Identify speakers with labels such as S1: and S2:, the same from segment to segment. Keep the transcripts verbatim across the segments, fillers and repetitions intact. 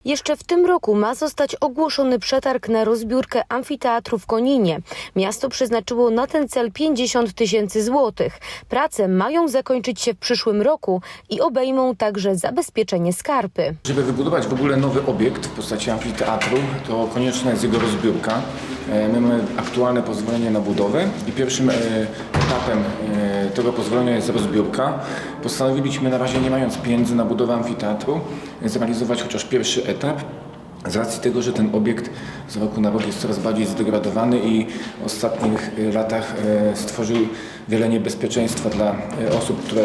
S1: Jeszcze w tym roku ma zostać ogłoszony przetarg na rozbiórkę amfiteatru w Koninie. Miasto przeznaczyło na ten cel pięćdziesiąt tysięcy złotych. Prace mają zakończyć się w przyszłym roku i obejmą także zabezpieczenie skarpy.
S2: Żeby wybudować w ogóle nowy obiekt w postaci amfiteatru, to konieczna jest jego rozbiórka. My mamy aktualne pozwolenie na budowę i pierwszym etapem tego pozwolenia jest rozbiórka. Postanowiliśmy, na razie nie mając pieniędzy na budowę amfiteatru, zrealizować chociaż pierwszy etap. Z racji tego, że ten obiekt z roku na rok jest coraz bardziej zdegradowany i w ostatnich latach stworzył wiele niebezpieczeństwa dla osób, które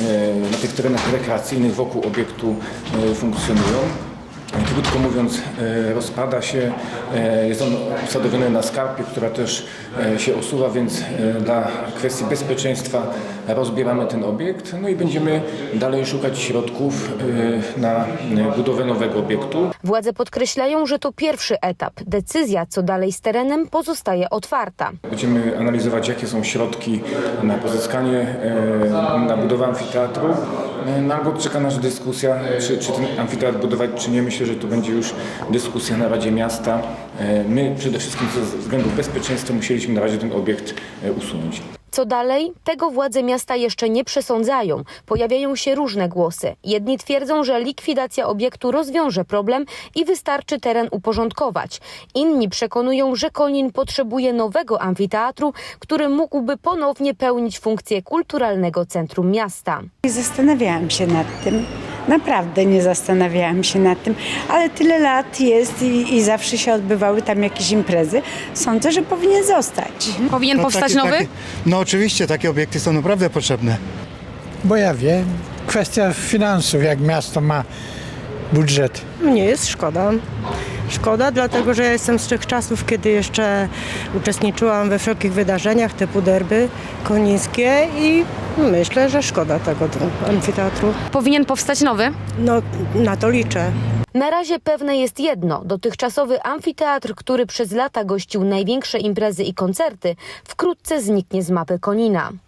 S2: na tych terenach rekreacyjnych wokół obiektu funkcjonują. Krótko mówiąc, rozpada się, jest on usadowiony na skarpie, która też się osuwa, więc dla kwestii bezpieczeństwa rozbieramy ten obiekt, no i będziemy dalej szukać środków na budowę nowego obiektu.
S1: Władze podkreślają, że to pierwszy etap. Decyzja, co dalej z terenem, pozostaje otwarta.
S2: Będziemy analizować, jakie są środki na pozyskanie, na budowę amfiteatru. No albo czeka nas dyskusja, czy, czy ten amfiteatr budować, czy nie. Myślę, że to będzie już dyskusja na Radzie Miasta. My przede wszystkim ze względów bezpieczeństwa musieliśmy na razie ten obiekt usunąć.
S1: Co dalej? Tego władze miasta jeszcze nie przesądzają. Pojawiają się różne głosy. Jedni twierdzą, że likwidacja obiektu rozwiąże problem i wystarczy teren uporządkować. Inni przekonują, że Konin potrzebuje nowego amfiteatru, który mógłby ponownie pełnić funkcję kulturalnego centrum miasta.
S3: Zastanawiałam się nad tym. Naprawdę nie zastanawiałam się nad tym, ale tyle lat jest i, i zawsze się odbywały tam jakieś imprezy. Sądzę, że powinien zostać.
S4: Powinien
S5: No,
S4: powstać
S5: takie,
S4: nowy?
S5: Takie, no oczywiście, takie obiekty są naprawdę potrzebne.
S6: Bo ja wiem, kwestia finansów, jak miasto ma budżet.
S7: Mnie jest szkoda. Szkoda, dlatego że ja jestem z tych czasów, kiedy jeszcze uczestniczyłam we wszelkich wydarzeniach typu derby konińskie i myślę, że szkoda tego amfiteatru.
S4: Powinien powstać nowy?
S7: No, na to liczę.
S1: Na razie pewne jest jedno. Dotychczasowy amfiteatr, który przez lata gościł największe imprezy i koncerty, wkrótce zniknie z mapy Konina.